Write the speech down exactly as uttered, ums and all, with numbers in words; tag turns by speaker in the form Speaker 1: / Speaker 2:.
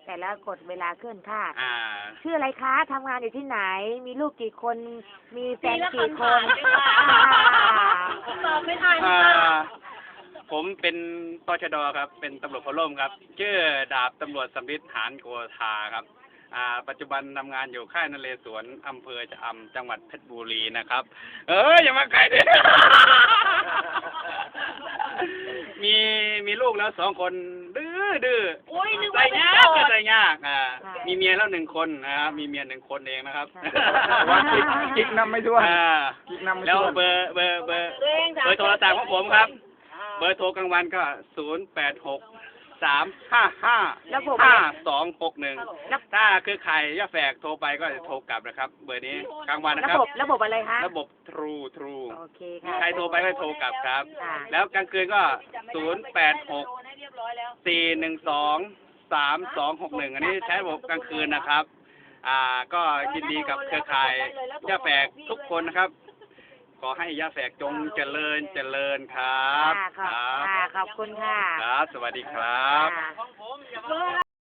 Speaker 1: แต่ละกฎเวลาเคลื่อนคาด
Speaker 2: อ่า
Speaker 1: ชื่ออะไรคะทำงานอยู่ที่ไหน มีลูกกี่คน มีแฟนกี่คน
Speaker 3: ตอบไม่ทัน
Speaker 2: อ่า
Speaker 3: ค่ะ
Speaker 2: ผมเป็นตชดครับ เป็นตำรวจพลร่มครับ ชื่อดาบตำรวจสำริดหานโกธาครับ อ่า ปัจจุบันทำงานอยู่ค่ายนเรศวรอำเภอชะอำจังหวัดเพชรบุรีนะครับ เอออย่ามาใกล้ดิ มีมีลูกแล้วสองคนดื้อดื้อ
Speaker 3: อุ้ยนึก
Speaker 2: ใส่
Speaker 3: ว่าเป็น
Speaker 2: ยาก
Speaker 3: โสด
Speaker 2: ใส่ยากอ่า
Speaker 1: ค่ะ
Speaker 2: มีเมียแล้วหนึ่งคนนะครับมีเมียหนึ่งคนเองนะครับ
Speaker 4: ว่ากิ๊กกิ๊กนำไม่ถ้วน
Speaker 2: อ่า
Speaker 4: กิ๊กนำไม่
Speaker 2: แล้ว
Speaker 4: ถ้วน
Speaker 2: เบอร์เบอร์เบอร์
Speaker 3: ตัวเอง
Speaker 2: เบอร์โทรศัพท์ของผมครับ เบอร์โทรกลางวันก็ศูนย์แปดหกสามห้าห้า
Speaker 1: ระบบ
Speaker 2: ห้าสองหกหนึ่ง
Speaker 1: ระ
Speaker 2: ถ้าคือใครย่าแฝกโทรไปก็จะโทรกลับนะครับ เบอร์นี้กลางวันนะ
Speaker 1: ระ
Speaker 2: ครับ
Speaker 1: บบระบบอะไรคะ
Speaker 2: ระบบ True True
Speaker 1: โอเคค่ะ
Speaker 2: ใครโทรไปก็โทรกลับครับ
Speaker 1: ค่ะ
Speaker 2: แล้วกลางคืนก็ศูนย์แปดหกสี่หนึ่งสองสามสองหกหนึ่งอันนี้ใช้ระบบกลางคืนนะครับ อ่าก็ยินดีกับเครือข่ายย่าแฝกทุกคนนะครับ ขอให้ย่าแฝกจงเจริญเจริญครับ
Speaker 1: ค่ะขอบ
Speaker 2: ครับ
Speaker 1: ค่ะขอบคุณค่ะ
Speaker 2: ครับ สวัสดีครับ
Speaker 1: ค่ะ